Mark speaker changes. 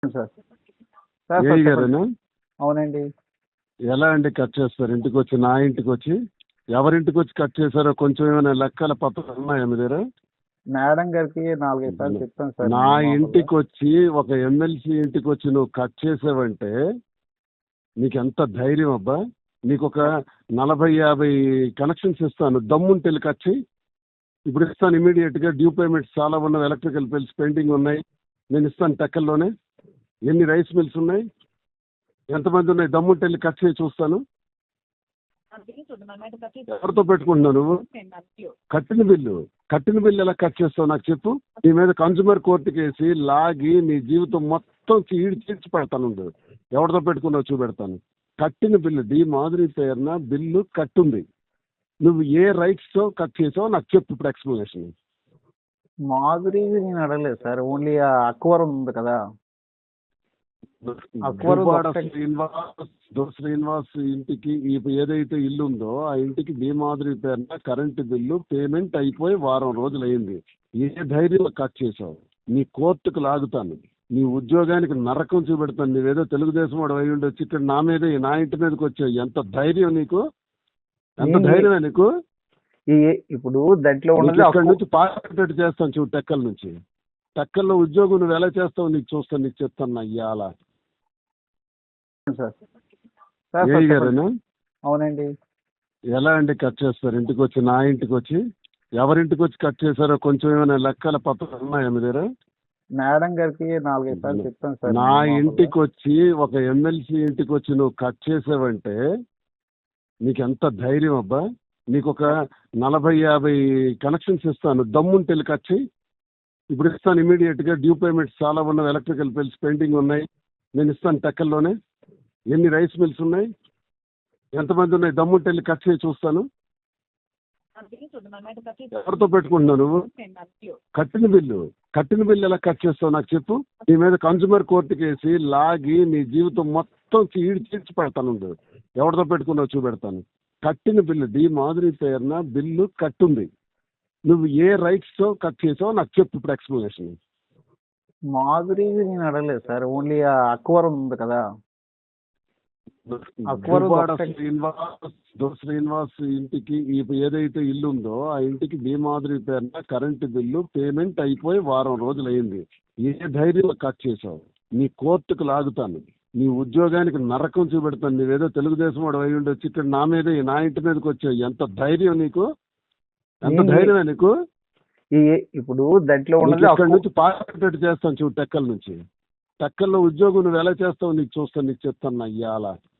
Speaker 1: Sir sir
Speaker 2: AE
Speaker 1: sir చెప్పండి.
Speaker 2: గారేనా?
Speaker 1: అవునండి.
Speaker 2: ఎలా అండి కట్ చేస్తారు? ఇంటికి వచ్చి, నా ఇంటికి వచ్చి ఎవరింటికి వచ్చి కట్ చేశారో కొంచెం ఏమైనా లెక్కల పత్రాలు ఉన్నాయా మీ దగ్గర?
Speaker 1: మేడం గారికి 4-5 సార్లు చెప్పాను సార్.
Speaker 2: నా
Speaker 1: నేను మామూలుగా
Speaker 2: ఇంటికి వచ్చి ఒక ఎమ్మెల్సీ ఇంటికి వచ్చి నువ్వు కట్ చేసావంటే నీకు ఎంత ధైర్యం అబ్బా? నీకు ఒక 40-50 కనెక్షన్స్ ఇస్తాను, దమ్ముంటే వెళ్ళి కట్ చేయి. ఇప్పుడు ఇస్తాను ఇమీడియట్గా. డ్యూ పేమెంట్స్ చాలా ఉన్నాయి, ఎలక్ట్రికల్ బిల్స్ పెండింగ్ ఉన్నాయి, నేను ఇస్తాను టెక్కల్లోనే. ఎన్ని రైస్ మిల్స్ ఉన్నాయి, ఎంతమంది ఉన్నాయి, దమ్ముంటే వెళ్ళి కట్ చేయి చూస్తాను. ఎవరితో పెట్టుకుంటున్నావు నువ్వు? కట్టిన బిల్లు ఎలా కట్ చేస్తావు నాకు చెప్పు. నీ మీద కన్జ్యూమర్ కోర్టుకి వేసి లాగి నీ జీవితం మొత్తం చీడ్చి పెడతాను. ఎవరితో పెట్టుకున్నావు చూపెడతాను. కట్టిన బిల్లు డి మాధురి పేరున బిల్లు కట్టుంది. నువ్వు ఏ రైట్స్ తో కట్ చేసావో నాకు చెప్పు ఇప్పుడు ఎక్స్ప్లెనేషన్.
Speaker 1: మాధురి నేను అడగలేదు సార్. ఓన్లీ ఆ అక్వరం ఉంది కదా,
Speaker 2: శ్రీనివాస్ ఇంటికి ఏదైతే ఇల్లు ఉందో ఆ ఇంటికి డి మాధురి పేరున కరెంటు బిల్లు పేమెంట్ అయిపోయి వారం రోజులు అయింది. ఏ ధైర్యం కట్ చేసావు? నీ కోర్టుకు లాగుతాను, నీ ఉద్యోగానికి నరకం చూపెడతాను. నీవేదో తెలుగుదేశం వాడు అయి ఉండొచ్చి ఇక్కడ నా మీద, నా ఇంటి మీదకి వచ్చావు. ఎంత ధైర్యం నీకు? ఎంత ధైర్యమే నీకు?
Speaker 1: ఇప్పుడు దాంట్లో
Speaker 2: ఇక్కడ నుంచి పార్టీ చేస్తాను చూడు. టెక్కల నుంచి, టెక్కల్లో ఉద్యోగం నువ్వు ఎలా చేస్తావు నీకు చూస్తాను, నీకు చెప్తాను అయ్యాల. ఏఈ గారేనా?
Speaker 1: అవునండి.
Speaker 2: ఎలా అండి కట్ చేస్తారు? ఇంటికి వచ్చి, నా ఇంటికి వచ్చి ఎవరింటికి వచ్చి కట్ చేశారో కొంచెం ఏమైనా లెక్కల పత్రాలు ఉన్నాయా మీ దగ్గర?
Speaker 1: మేడం గారికి 4-5 సార్లు చెప్పాను సార్.
Speaker 2: నా ఇంటికి వచ్చి ఒక ఎమ్మెల్సీ ఇంటికి వచ్చి నువ్వు కట్ చేసావంటే నీకు ఎంత ధైర్యం అబ్బా? నీకు ఒక 40-50 కనెక్షన్స్ ఇస్తాను, దమ్ముంటే వెళ్ళి కట్ చేయి. ఇప్పుడు ఇస్తాను ఇమీడియట్గా. డ్యూ పేమెంట్స్ చాలా ఉన్నాయి, ఎలక్ట్రికల్ బిల్స్ పెండింగ్ ఉన్నాయి, నేను ఇస్తాను టెక్కల్లోనే. ఎన్ని రైస్ మిల్స్ ఉన్నాయి, ఎంతమంది ఉన్నాయి, దమ్ముంటే వెళ్ళి కట్ చేయి చూస్తాను. ఎవరితో పెట్టుకుంటున్నావు నువ్వు? కట్టిన బిల్లు ఎలా కట్ చేస్తావు నాకు చెప్పు. నీ మీద కన్జ్యూమర్ కోర్టుకి వేసి లాగి నీ జీవితం మొత్తం చీడ్చి పెడతాను. ఎవరితో పెట్టుకున్నావు చూపెడతాను. కట్టిన బిల్లు డి మాధురి పేరున బిల్లు కట్టుంది. నువ్వు ఏ రైట్స్ తో కట్ చేసావో నాకు చెప్పు ఇప్పుడు ఎక్స్ప్లెనేషన్.
Speaker 1: మాధురి నేను అడగలేదు సార్. ఓన్లీ ఆ అక్వరం ఉంది కదా,
Speaker 2: శ్రీనివాస్ ఇంటికి ఏదైతే ఇల్లు ఉందో ఆ ఇంటికి డి మాధురి పేరున కరెంటు బిల్లు పేమెంట్ అయిపోయి వారం రోజులు అయింది. ఏ ధైర్యం కట్ చేసావు? నీ కోర్టుకు లాగుతాను, నీ ఉద్యోగానికి నరకం చూపెడతాను. నీవేదో తెలుగుదేశం వాడు అయి ఉండొచ్చి ఇక్కడ నా మీద, నా ఇంటి మీదకి వచ్చావు. ఎంత ధైర్యం నీకు? ఎంత ధైర్యమే నీకు?
Speaker 1: ఇప్పుడు దాంట్లో
Speaker 2: ఇక్కడ నుంచి పార్టీ చేస్తాను చూడు. టెక్కల నుంచి, టెక్కల్లో ఉద్యోగం నువ్వు ఎలా చేస్తావు నీకు చూస్తాను, నీకు చెప్తాను అయ్యాల.